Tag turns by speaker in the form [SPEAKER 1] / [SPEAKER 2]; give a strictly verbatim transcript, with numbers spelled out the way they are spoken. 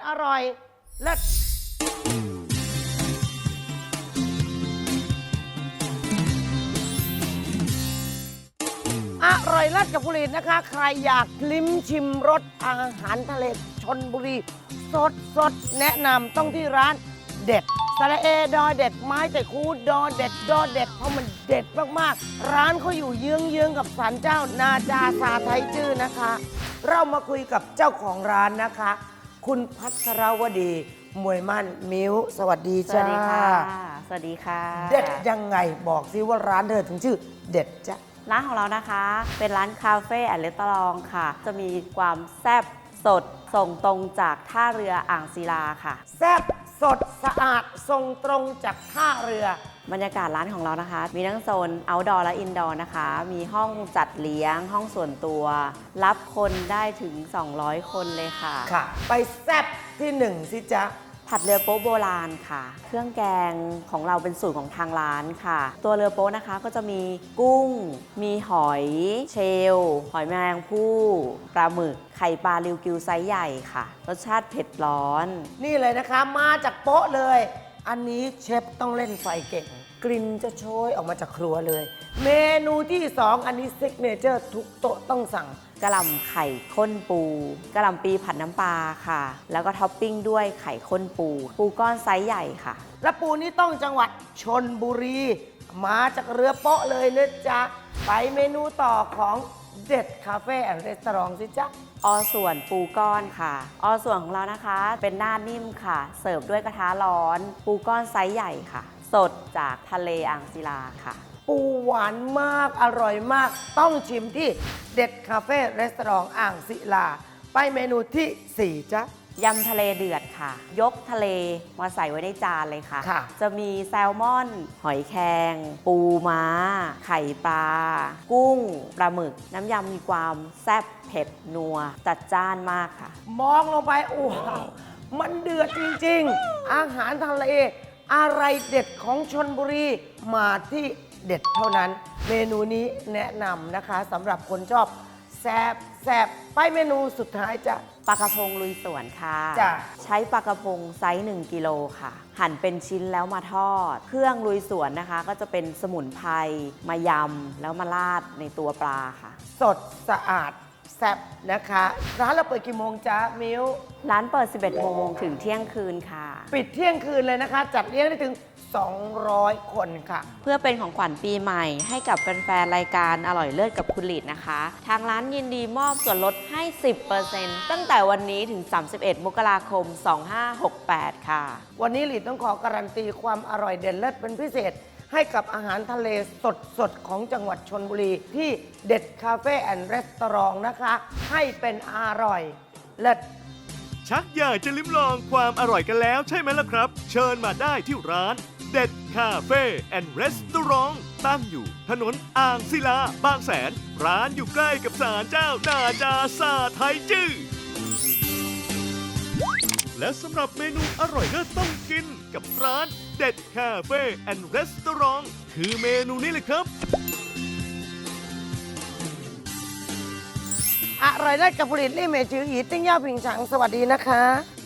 [SPEAKER 1] อร่อยเลิศอร่อยเลิศกับผลิตนะคะใครอยากลิ้มชิมรสอาหารทะเลชลบุรีสดสดแนะนำต้องที่ร้านเด็ดสระเอดอเด็ดไม้แต่คูดอเด็ดดอเด็ดเพราะมันเด็ดมากๆร้านเขาอยู่เยื้องๆกับศาลเจ้านาจาซาไทยจื้อนะคะ เรามาคุยกับเจ้าของร้านนะคะ คุณพัทรวดีมวยมั่นมิ้วสวัสดี
[SPEAKER 2] ส
[SPEAKER 1] จ้า
[SPEAKER 2] วัสดีค่ะ สวัสดีค่ะ
[SPEAKER 1] เด็ดยังไงบอกซิว่าร้านเธอถึงชื่อเด็ดจ้ะ
[SPEAKER 2] ร้านของเรานะคะ เป็นร้านคาเฟ่แอนด์รีสอร์ทค่ะ จะมีความแซ่บสดส่งตรงจากท่าเรืออ่างศิลาค่ะ
[SPEAKER 1] แซ่บสดสะอาดส่งตรงจากท่าเรือบ
[SPEAKER 2] รรยากาศร้านของเรานะคะ มีทั้งโซน outdoor และ indoor นะคะ มีห้องจัดเลี้ยงห้องส่วนตัว รับคนได้ถึง สองร้อย คนเลยค่ะ
[SPEAKER 1] ค่ะ ไปแซ่บที่หนึ่งสิจ๊ะ
[SPEAKER 2] ผัดเรือโป๊ะโบราณค่ะ เครื่องแกงของเราเป็นสูตรของทางร้านค่ะ ตัวเรือโป๊ะนะคะก็จะมีกุ้ง มีหอยเชลล์หอยแมลงภู่ปลาหมึก ไข่ปลาริวกิวไซส์ใหญ่ค่ะ รสชาติเผ็ดร้อน
[SPEAKER 1] นี่เลยนะคะมาจากโป๊ะเลย อันนี้เชฟต้องเล่นไฟเก่ง กลิ่นจะโชยออกมาจากครัวเลย เมนูที่สองอันนี้ซิกเนเจอร์ทุกโต๊ะต้องสั่ง
[SPEAKER 2] กะหล่ำไข่ข้นปูกะหล่ำปีผัดน้ำปลาค่ะ แล้วก็ท็อปปิ้งด้วยไข่ข้นปู ปูก้อนไซส์ใหญ่ค่ะ
[SPEAKER 1] และปูนี่ต้องจังหวัดชนบุรี มาจากเรือโป๊ะเลยนะจ๊ะ ไปเมนูต่อของเด็ดคาเฟ่แอนด์รีสอร์ทสิจ๊ะ
[SPEAKER 2] อส่วนปูก้อนค่ะ อส่วนของเรานะคะ เป็นหน้านิ่มค่ะ เสิร์ฟด้วยกระทะร้อน ปูก้อนไซส์ใหญ่ค่ะ สดจากทะเลอ่างศิลาค่ะ
[SPEAKER 1] ปูหวานมากอร่อยมาก ต้องชิมที่เด็ดคาเฟ่รีสอร์ทอ่างศิลา ไปเมนูที่สี่จ๊ะ
[SPEAKER 2] ยำทะเลเดือดค่ะ ยกทะเลมาใส่ไว้ในจานเลยค่ะ
[SPEAKER 1] ค่ะ
[SPEAKER 2] จะมีแซลมอน หอยแครงปูม้า ไข่ปลา กุ้ง ปลาหมึก น้ำยำมีความแซ่บเผ็ดนัว จัดจ้านมากค่ะ
[SPEAKER 1] มองลงไปโอ้โหมันเดือดจริงๆ อาหารทะเล อะไรเด็ดของชนบุรี มาที่เด็ดเท่านั้น เมนูนี้แนะนำนะคะสำหรับคนชอบแซบแซบไปเมนูสุดท้ายจ้ะ
[SPEAKER 2] ปลากระพงลุยสวนค่ะ
[SPEAKER 1] จ้ะ
[SPEAKER 2] ใช้ปลากระพงไซส์หนึ่งกิโลค่ะ หั่นเป็นชิ้นแล้วมาทอด เครื่องลุยสวนนะคะ ก็จะเป็นสมุนไพรมายำแล้วมาราดในตัวปลาค่ะ
[SPEAKER 1] สดสะอาดแซบนะคะ ร้านเราเปิดกี่โมงจ๊ะมิว
[SPEAKER 2] ร้านเปิด สิบเอ็ด โมงถึงเที่ยงคืนค่ะ
[SPEAKER 1] ปิดเที่ยงคืนเลยนะคะ จัดเลี้ยงได้ถึง สองร้อย คนค่ะ
[SPEAKER 2] เพื่อเป็นของขวัญปีใหม่ให้กับแฟนๆรายการอร่อยเลิศกับคุณหลีดนะคะ ทางร้านยินดีมอบส่วนลดให้ สิบเปอร์เซ็นต์ ตั้งแต่วันนี้ถึง สามสิบเอ็ด มกราคม สองห้าหกแปด ค่ะ
[SPEAKER 1] วันนี้หลีดต้องขอการันตีความอร่อยเด่นเลิศเป็นพิเศษ ให้กับอาหารทะเลสดๆ ของจังหวัดชลบุรี ที่เด็ดคาเฟ่แอนด์รีสอร์ทนะคะ ให้เป็นอร่อยเลิศ
[SPEAKER 3] ชักอยากจะลิ้มลองความอร่อยกันแล้วใช่ไหมล่ะครับ เชิญมาได้ที่ร้านเด็ดคาเฟ่แอนด์รีสอร์ทตั้งอยู่ถนนอ่างศิลาบางแสน ร้านอยู่ใกล้กับศาลเจ้านาจาซาไทยจื้อและสำหรับเมนูอร่อยเลิศต้องกินกับร้านเด็ดคาเฟ่แอนด์รีสอร์ทคือเมนูนี้เลยครับ
[SPEAKER 1] อร่อยเลิศกับผลิตลี่เมจืออีติ้งย่าผิงฉังสวัสดีนะคะ